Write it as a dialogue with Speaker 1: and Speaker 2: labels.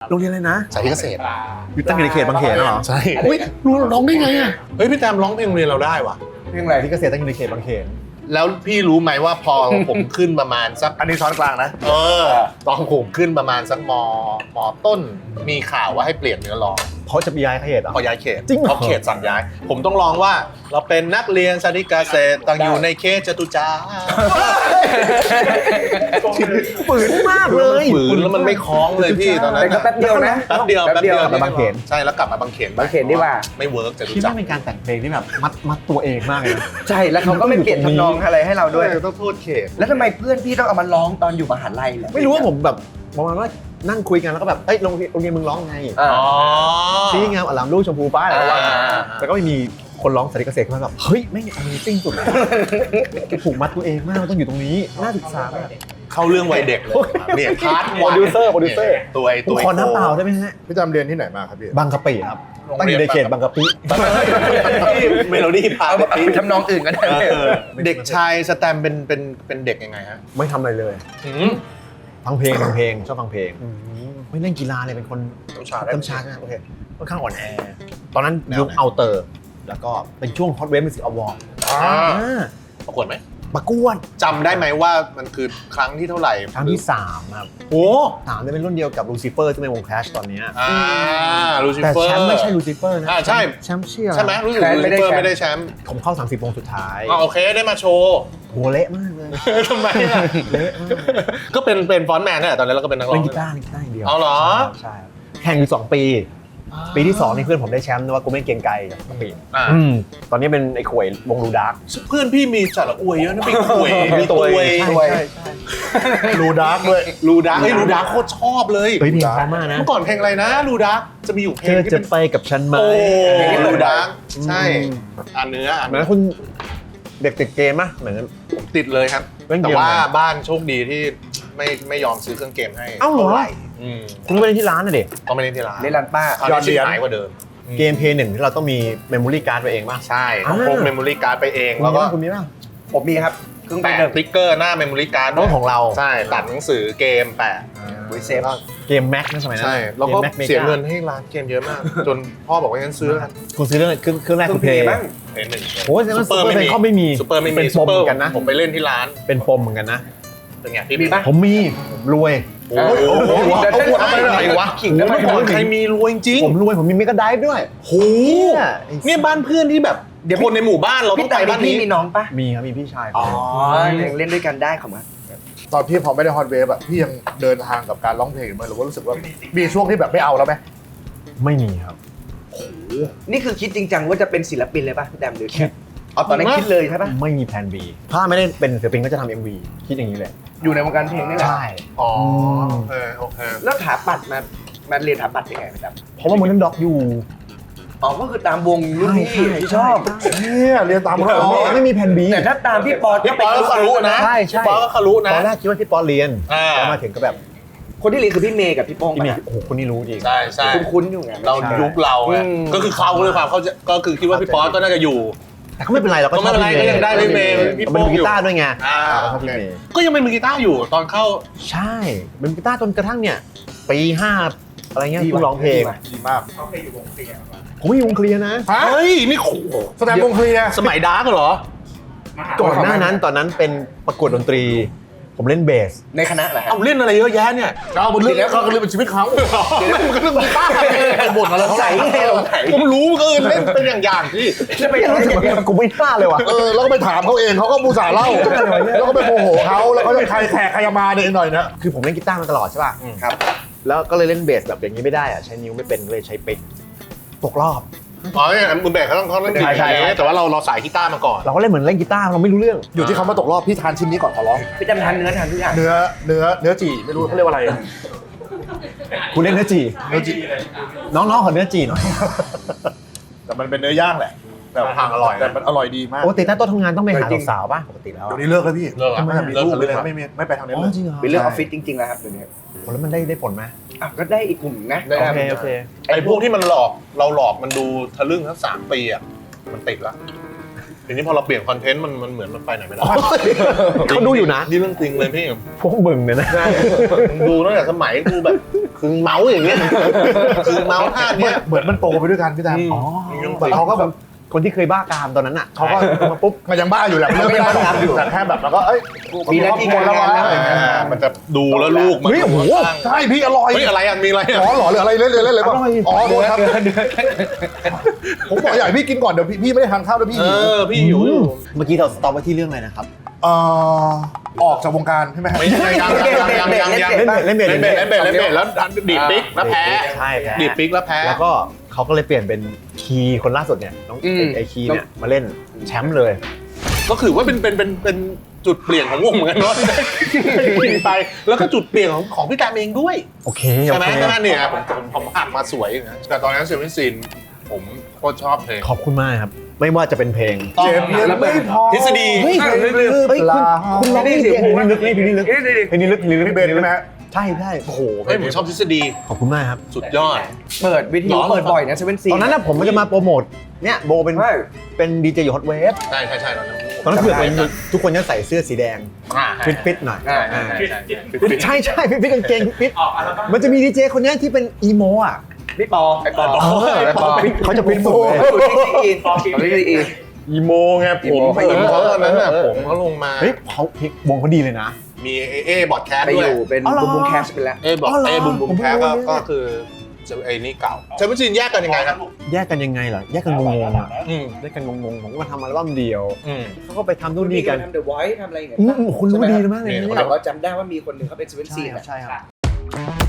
Speaker 1: โรงเรียนอะไรนะ
Speaker 2: สายที่เกษตร
Speaker 1: อยู่ตั้งอยู่ในเขตบางเขนเหรอ
Speaker 2: ใช่อุ้ยร้องได้ไงอ่ะเฮ้ยพี่แตมร้องเพลงโรงเรียนเราได้ว่ะ
Speaker 1: เรื่องอะไรที่เกษตรตั้งอยู่ในเขตบางเขน
Speaker 2: แล้วพี่รู้ไหมว่าพอ ผมขึ้นประมาณสัก
Speaker 3: อันนี้ช้อนกลางนะ
Speaker 2: ตอนผมขึ้นประมาณสักมต้นมีข่าวว่าให้เปลี่ยนเนื้อร้อง
Speaker 1: เขาจะย้ายเขตเหรอ
Speaker 2: พอย้ายเขต
Speaker 1: จริงเหรอ
Speaker 2: เพราะเขตสั่งย้าย ผมต้องร้องว่าเราเป็นนักเรียนสาธิตเกษตรตั้งอยู่ในเขตจตุจักร
Speaker 1: ฝืนมากเลย
Speaker 2: ฝืนแล้วมันไม่คล้องเลยพี่ตอนนั้น
Speaker 4: แต่ก็แป๊บเดียวนะ
Speaker 2: แป๊บเดียว
Speaker 4: กลับมา
Speaker 1: บางเขน
Speaker 2: ใช่แล้วกลับมาบางเขน
Speaker 4: บางเขนดีกว่า
Speaker 2: ไม่เวิร์กจตุ
Speaker 1: คิด
Speaker 2: จั
Speaker 1: ว่าก
Speaker 2: ร
Speaker 1: เป็นการแต่งเพลงที่แบบมัดตัวเองมากเลยนะ
Speaker 4: ใช่แล้วเขาก็ไม่เปลี่ยนทำนองอะไรให้เราด้วย
Speaker 2: ต้องโทษเขต
Speaker 4: แล้วทำไมเพื่อนพี่ต้องเอามาร้องตอนอยู่มหาลัยล่ะ
Speaker 1: ไม่รู้ว่าผมแบบประมาณว่านั่งคุยกันแล้วก็แบบเอ้ยโรงเรียนมึงร้องไง
Speaker 4: อ่า
Speaker 1: ชี้งามอลามลูกชมพูฟ้าอะไรก็ว่า
Speaker 2: อ่า
Speaker 1: แต่ก็ไม่มีคนร้องสาธิตเกษตรขึ้นมาแบบเฮ้ยไม่ง Amazing สุดเลยผูกมัดตัวเองมากมันต้องอยู่ตรงนี้น่าศึกษามาก
Speaker 2: เข้าเรื่องวัยเด็กเลยเนี่ยพาร์ท
Speaker 1: โปรดิวเซอร์
Speaker 2: ตัว
Speaker 1: ผมขอน้ำเปล่าได้ไหมฮะ
Speaker 3: พี่จำเรียนที่ไหนมาครับพี่
Speaker 1: บางกะปิครับตั้งอยู่ในเขตบางกะปิ
Speaker 2: เมโลดี้พาร์ท
Speaker 4: เอาทำนองอื่นก็ได้
Speaker 2: เด็กชายสแตมเป็นเด็กยังไงฮะ
Speaker 1: ไม่ทำอะไรเลยฟังเพลงชอบฟังเพลงไม่เล่นกีฬาเลยเป็นคน
Speaker 2: ต้นชา
Speaker 1: ต้นชานะโอเคค่อนข้างอ่อนแอตอนนั้นยุคเอาเตอร์แล้วก็เป็นช่วง Hot Wave Music Award
Speaker 2: ประกวดไหม
Speaker 1: ประกวด
Speaker 2: จำได้ไหมว่ามันคือครั้งที่เท่าไหร่
Speaker 1: ครั้งที่3ครับ
Speaker 2: โอ้
Speaker 1: 3จะเป็นรุ่นเดียวกับลูซิเฟอร์ที่เป็นวง Clash ตอนนี้
Speaker 2: ลูซิ
Speaker 1: แต่
Speaker 2: เฟอร์
Speaker 1: แชมป์ไม่ใช่ลูซิเฟอร์นะ
Speaker 2: ใช่
Speaker 1: แชมป์เชี่ย
Speaker 2: ใช่ไหมรู้สึกลูซิเฟอร์ไม่ได้แชมป์
Speaker 1: ผมเข้า30วงสุดท้าย
Speaker 2: โอเคได้มาโชว์
Speaker 1: หัวเละมากเลย
Speaker 2: ทำไมอ่ะ
Speaker 1: เละมาก
Speaker 2: ก็เป็นฟอนต์แมนเนี่ยตอนนั้นเราก็เป็นนักร้อง
Speaker 1: เล่นกีตาร์อย่างเดียว
Speaker 2: เอาเหรอ
Speaker 1: ใช่แข่งอยู่2 ปี ปีที่2นี่เพื่อนผมได้แชมป์นะว่ากูไม่เก่งไกลกับปี ตอนนี้เป็นไอ้ขวยวงลูดาร์ก
Speaker 2: เพื่อนพี่มีจัดละอวยเยอะนะพี่ขวยมีตัว
Speaker 1: ใช่
Speaker 3: รูดาร์กด้วย
Speaker 2: ลูดาร์ลูดาร์โคตรชอบเลย
Speaker 1: เฮ้ยเพลงเพราะมากนะ
Speaker 2: เมื่อก่อนเพลงอะไรนะลูดาร์จะมีอยู่เพล
Speaker 1: เธ
Speaker 2: ง
Speaker 1: อ
Speaker 2: ที่
Speaker 1: จะ
Speaker 2: เป็น
Speaker 1: ไปกับฉันไหม
Speaker 2: โอ้ลูดาร์ใช่เนื้อ
Speaker 1: เหมือนคุณเด็กติดเกมป่ะเหมือน
Speaker 2: ผมติดเลยครับ
Speaker 1: เล่นเกม
Speaker 2: แต่ว่าบ้านโชคดีที่ไม่ยอมซื้อเครื่องเกมให้
Speaker 1: เอ้าเหรอ
Speaker 2: ท่ไห
Speaker 1: คุณไปเล่นที่ร้านน่ะเด็ก
Speaker 2: ต้องไปเล่นที่ร้าน
Speaker 4: เล่นร้านป้า
Speaker 2: ตอนนี้ชิบหายกว่าเดิม
Speaker 1: เกมเพย์1ที่เราต้องมีเมมโมรี่การ์ดไปเองป่ะ
Speaker 2: ใช่ต้องพกเมมโมรี่การ์ดไปเอง
Speaker 1: แล้
Speaker 2: แล้ว ว
Speaker 1: ก็
Speaker 2: ก็
Speaker 1: คุณมีป่ะ
Speaker 4: ผมมีครับเครื่อง
Speaker 2: แปะ
Speaker 4: เดิม
Speaker 2: สติ๊กเกอร์หน้าเมมโมรี่การ์ด
Speaker 1: ต้องของเรา
Speaker 2: ใช่ตัดหนังสือเกมแปะ
Speaker 4: ไว้เซฟ
Speaker 1: เกมแม็กนะสมัยนั้น
Speaker 2: ใช่แล้วก็
Speaker 1: ม Mac Mega
Speaker 2: เสียเงินให้ร้านเกมเยอะมาก จนพ่อบอกว่างั้นซื้อแล้วกัน
Speaker 1: คุณซื้อเรื่องเครื่องแรก
Speaker 4: เครื่
Speaker 1: คือ อง เพ
Speaker 4: เพล
Speaker 1: ย์
Speaker 4: ย์บ้าง
Speaker 2: เพย์หนึ่ง
Speaker 1: โอ้ยแต่ว่าซูเปอร์เพย์เขาไม่มี
Speaker 2: ซูเปอร์ไม่มี
Speaker 1: เป็นปมเหมือนกันนะ
Speaker 2: ผมไปเล่นที่ร้าน
Speaker 1: เป็นปมเหมือนกันนะ
Speaker 2: เป็นไงพี่
Speaker 4: มีปะ
Speaker 1: ผมมีรวย
Speaker 2: โอ้โห
Speaker 4: เดี๋ยว
Speaker 2: เอาหัวไปไหนวะ
Speaker 4: ขิงได้ไหม
Speaker 2: เมื่อก่อนใครมีรวยจริง
Speaker 1: ผมรวยผมมีเมกะไดฟ์ด้วย
Speaker 2: โหเนี่ยบ้านเพื่อนที่แบบคนในหมู่บ้านเราต้
Speaker 4: พี่
Speaker 2: อง
Speaker 4: ตา
Speaker 2: ไป
Speaker 4: ย
Speaker 2: บ้าน
Speaker 4: พี่
Speaker 2: นี้
Speaker 4: มีน้องปะ
Speaker 1: มีครับมีพี่ชาย
Speaker 4: อ๋อยังเล่นด้วยกันได้ของมัน
Speaker 3: ตอนพี่พอไม่ได้ฮอตเวฟอะพี่ยังเดินทางกับการร้องเพลงอยู่ไหมหรือว่ารู้สึกว่ามีช่วงที่แบบไม่เอาแล้วไหม
Speaker 1: ไม่มีครับ
Speaker 4: นี่คือคิดจริงจังว่าจะเป็นศิลปินเลยป่ะพี่แดมหรือแค่เอาตอนนั้นคิดเลยใช่ป่ะ
Speaker 1: ไม่มีแผน B ถ้าไม่ได้เป็นศิลปินก็จะทำ MV คิดอย่างนี้เลย
Speaker 4: อยู่ในวงการเพลงนี่แหละ
Speaker 1: ใช่
Speaker 2: อ๋อโอเคโอเค
Speaker 4: แล้วถาปัดมาเรียนถาปัดยังไงพี่แดม
Speaker 1: เพราะว่ามันนั่นด็อกอยู่
Speaker 4: อ๋อก็คือตามวงรุ่นพี่ที่ชอบ
Speaker 3: เนี่ยเรียนตามเขา
Speaker 1: ไม่มีแผน B
Speaker 4: แต่ถ้าตามพี่ปอ
Speaker 2: พี่ปอก็คารุนะ
Speaker 1: ใช่ใช่
Speaker 2: พี่ปอก็คารุนะ
Speaker 1: ตอนแรกคิดว่าพี่ปอเรียน
Speaker 2: อ่า
Speaker 1: แล้วมาถึงก็แบบ
Speaker 4: คนที่เรียนคือพี่เมย์กับพี่โป้ง
Speaker 1: พี่
Speaker 4: ปะ
Speaker 1: เนี่ยโอ้โหคนนี้รู้จริง
Speaker 2: ใช่ใช่
Speaker 4: คุ้นๆอยู่ไง
Speaker 2: เรายุคเราไง
Speaker 4: อืม
Speaker 2: ก็คือเขาเลยความเขาจะก็คือคิดว่าพี่ป๊อตก็น่าจะอยู่
Speaker 1: แต่ก็ไม่เป็นไรเราก็
Speaker 2: ก็ไม่เป็นไรก็ยังได้พี่เมย์พี่
Speaker 1: มัน
Speaker 2: โป้
Speaker 1: เป็น
Speaker 2: ง
Speaker 1: กี
Speaker 2: อยู่
Speaker 1: ตาร์ด้วยไง
Speaker 2: โอ
Speaker 1: ชอบ
Speaker 2: เค
Speaker 1: พี่เมย์
Speaker 2: ก็ยังเป็นมือกีตาร์อยู่ตอนเข้า
Speaker 1: ใช่เป็นกีตาร์จนกระทั่งเนี่ยปี5อะไรเงี้ยเพิ่งร้องเพลง
Speaker 3: ดีมาก
Speaker 1: ผมไม่อยู่วงเคลียร์นะ
Speaker 3: ฮะ
Speaker 2: เฮ้ยนี่โห
Speaker 3: แสดงวงเคลียร์
Speaker 2: สมัยดาร์กเหรอ
Speaker 1: ก่อนหน้านั้นตอนนั้นเป็นประกวดดนตรี ผมเล่นเบส
Speaker 4: ในคณะเหรอฮะ
Speaker 2: เอาเล่นอะไรเยอะแยะเนี่ย
Speaker 3: เอาบนเรื่องเขาก็เรื่องเป็นชีวิตเขา
Speaker 2: เดี๋ยวมันก็เรื่องกีตาร์ไปบ่นอะไรเขา
Speaker 4: ใส่ไงเราใส่
Speaker 2: ผมรู้ก็เล่นเป็นอย่างๆที่
Speaker 4: จะไป
Speaker 1: ไม่รู้สึกว่ากูไม่กล้าเลยว่ะ
Speaker 3: แล้วก็ไปถามเขาเองเขาก็มูสาห์เล่า แล้วก็ไปโมโหเขาแล้วก็จะใครแขกใครมาเนี่ยหน่อยนะ
Speaker 1: คือผมเล่นกีตาร์มาตลอดใช่ป่ะ
Speaker 4: ครับ
Speaker 1: แล้วก็เลยเล่นเบสแบบอย่างนี้ไม่ได้อะใช้นิ้วไม่เป็นเลยใช้ปิกตกรอบ
Speaker 2: อ๋อเนี่ยมือแบกเขาต้องเล่นดี
Speaker 1: ใช่ใช่
Speaker 2: แต่ว่าเราสายกีตาร์มาก่อน
Speaker 1: เราก็เล่นเหมือนเล่นกีตาร์เราไม่รู้เรื่อง
Speaker 3: อยู่ที่เขามาตกรอบพี่ทานชิ้นนี้ก่อนขอร้อง
Speaker 4: พี่จำทานเนื้อทานทุกอย่าง
Speaker 3: เนื้อจี่ไม่รู้เขาเรียกว่าอะไร
Speaker 1: คุณเล่นเนื้อจี
Speaker 3: เนื้อจี่
Speaker 1: น้องๆขอเนื้อจีหน่อย
Speaker 3: แต่มันเป็นเนื้อย่างแหละแต่
Speaker 2: ทางอร่อย
Speaker 3: แต่มันอร่อยดีมาก
Speaker 1: ปกติถ้าโต๊ะทำงานต้องไปหาสาวๆป่ะปกติแล้ว
Speaker 3: เดี๋ยวนี้เลิกแล้วพี่
Speaker 2: เลิกแล้ว
Speaker 3: ไม่มีลูกเลยนะไม่ไปทางนี้
Speaker 1: อ๋อ
Speaker 3: เลย
Speaker 1: จริงเหรอ
Speaker 4: เป็นเรื่องออฟฟิศจริงๆแล้วครับเดี๋ยวนี้
Speaker 1: แล้วมันได้ผลไหม
Speaker 4: อ่ะก็ได้อีกกลุ่มนะ
Speaker 2: ได้
Speaker 1: โอเค
Speaker 2: ไอ้พวกที่มันหลอกเราหลอกมันดูทะลึ่งทั้ง3 ปีอ่ะมันติดละทีนี้พอเราเปลี่ยนคอนเทนต์มันเหมือนมันไปไหนไม่ได้
Speaker 1: เขาดูอยู่นะ
Speaker 2: นี่เรื่องจริงเลยพี่
Speaker 1: พวกมึงเนี่ยนะ
Speaker 2: มึงดูตั้งแต่สมัยกูแบบคือเมาส์อย่างเงี้ยคือเมาส์ท่าเนี้ย
Speaker 3: เหมือนมันโตไปด้วยกันพี่แดม
Speaker 2: อ๋อ
Speaker 3: แบบเขาก็แบบ
Speaker 1: คนที่เคยบ้ากามตอนนั้นอ่ะ
Speaker 3: เขาก็มาปุ๊บมันยังบ้าอยู่แหละเลิกไม่ได้แต่แค่แบบแล้วก็เอ้ย
Speaker 4: มีหน้าที่การงานแล้ว
Speaker 3: อะไรเงี้ย
Speaker 2: มันจะดูแล้วลูกมัน
Speaker 3: เฮ้ยโอ้โหใช่พี่อร่อย
Speaker 2: เฮ้ยอะไรอ่ะมีอะไรอ่ะ
Speaker 3: อ๋อหรอหรืออะไรเล่นเลยป่ะอ๋อโทษครับผมบอกอยากให้พี่กินก่อนเดี๋ยวพี่ไม่ได้ทานข้าวด้วยพี่
Speaker 2: เออพี่หิวอยู่
Speaker 1: เมื่อกี้เราสต็อปไว้ที่เรื่องอะไรนะครับ
Speaker 3: ออกจากวงการใช่ไหมครับ
Speaker 2: ไม่ใช่ยังเล่นเบสแล้วดีดปิ๊กแล้วแพ้
Speaker 1: ใช่แพ้
Speaker 2: ดีดปิ๊กแล้วแพ้
Speaker 1: แล้วก็เขาก็เลยเปลี่ยนเป็นคีย์คนล่าสุดเนี่ยน้องไอคีย์เนี่ยมาเล่นแชมป์เลย
Speaker 2: ก็คือว่าเป็นจุดเปลี่ยนของวงเหมือนกันเนาะไปแล้วก็จุดเปลี่ยนของพี่แตมเองด้วย
Speaker 1: โอเค
Speaker 2: ใช่ไหมใช่ไหมเนี่ยผมอ่านมาสวยนะแต่ตอนนั้นเซเว่นซีนผมโคตรชอบเพลง
Speaker 1: ขอบคุณมากครับ ไม่ว่าจะเป็นเพลง
Speaker 3: เจ็บยังไม่พอ
Speaker 2: ทฤษฎี
Speaker 1: เฮ้ยคุณร้องเพลงลึกเพลงนี้ลึกเพลงนี้ลึก
Speaker 3: พี่เบนใช่ไหมฮะ
Speaker 1: ใช่ใช่
Speaker 2: โอ้โหเฮ้ยผมชอบทฤษฎี
Speaker 1: ขอบคุณมากครับ
Speaker 2: สุดยอด
Speaker 4: เปิดวิทยุเปิดบ่อยนะเซเว่นซี
Speaker 1: ตอนนั้นนะผมจะมาโปรโมทเนี่ยโบเป็นดีเจอยู่ฮอตเวฟ
Speaker 2: ใช่ตอนนั้น
Speaker 1: ตอนนั้นเผื่อเป็นทุกคนจะใส่เสื้อสีแดงฟิตหน่อย ใช่ฟิตกางเกงฟิตมันจะมีดีเจคนนี้ที่เป็นอีโมอ่ะ
Speaker 4: พี่ปอไอ้ปอ
Speaker 1: เขาจะฟิตหมดเลย
Speaker 4: อยู่ที่อีน
Speaker 2: อีโมไงผมเขาตอนนั้นน่ะผมเขาลงมา
Speaker 1: เฮ้ยเขาวงเขาดีเลยนะ
Speaker 2: มีบอดแคส
Speaker 4: ไป
Speaker 2: ด้
Speaker 4: อ
Speaker 2: วย
Speaker 4: ยู่เป็นบูมแคสไปแล้ว
Speaker 2: บุมแคสก็คือไอ้นี่เก่าเซเว่นซีนแยกกันยังไงครับ
Speaker 1: แยกกันยังไงเหรอแยกกันงงๆอ่ะ
Speaker 2: อืม
Speaker 1: แยกกันงงๆผมก็มาทำอัลบั้มเดียว
Speaker 2: อืม
Speaker 1: เขาก็ไปทำนู่นนี่กัน
Speaker 4: ทำเดอะไวท์ทำอะไรอย่างเงี้ย
Speaker 1: คุณรู้ดีมากเลย
Speaker 2: นี่
Speaker 1: เนี่ย
Speaker 4: แต่ว่าจำได้ว่ามีคนหนึ่งเขาเป็นเซเว่นซี
Speaker 1: ใช่ครับใช่ครับ